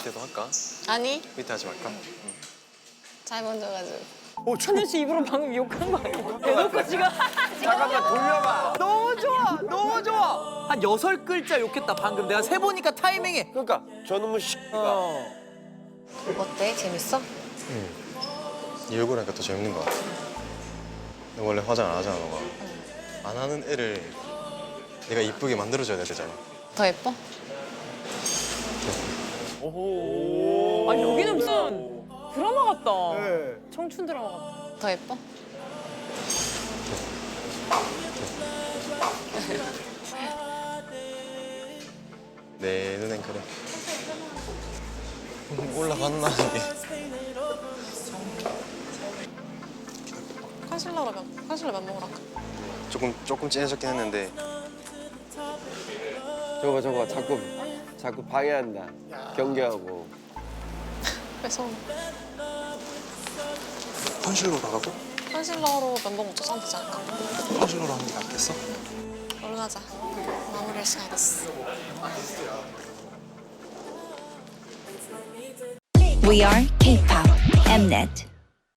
밑에도 할까? 아니, 밑에 하지 말까? 잘 만져가지고. 천현 씨 입으로 방금 욕한 거 아니야? 대놓고 지금 잠깐만 돌려봐. 너무 좋아, 너무 좋아. 한 6글자 욕했다 방금. 내가 세 보니까 타이밍에. 그러니까 저놈의 씨가. 어때? 재밌어? 네 얼굴 하니까 더 재밌는 것 같아. 너 원래 화장 안 하잖아, 너가. 안 하는 애를 내가 이쁘게 만들어줘야 되잖아. 더 예뻐? 아니 여기는 무슨 드라마 같다. 네. 청춘 드라마 같다. 더 예뻐? 내 눈엔 그래. 올라갔나 이게. 컨실러 맘먹으러 갈까? 조금 진해졌긴 했는데 저거 자꾸 방해한다. 경계하고. 뺏어. 컨실러 나가고 컨실러로 면봉 묻혀서 하면 되지 않을까? 컨실러로 하는 게 낫겠어? 얼른 하자. 마무리할 시간이 됐어. We are K-pop Mnet.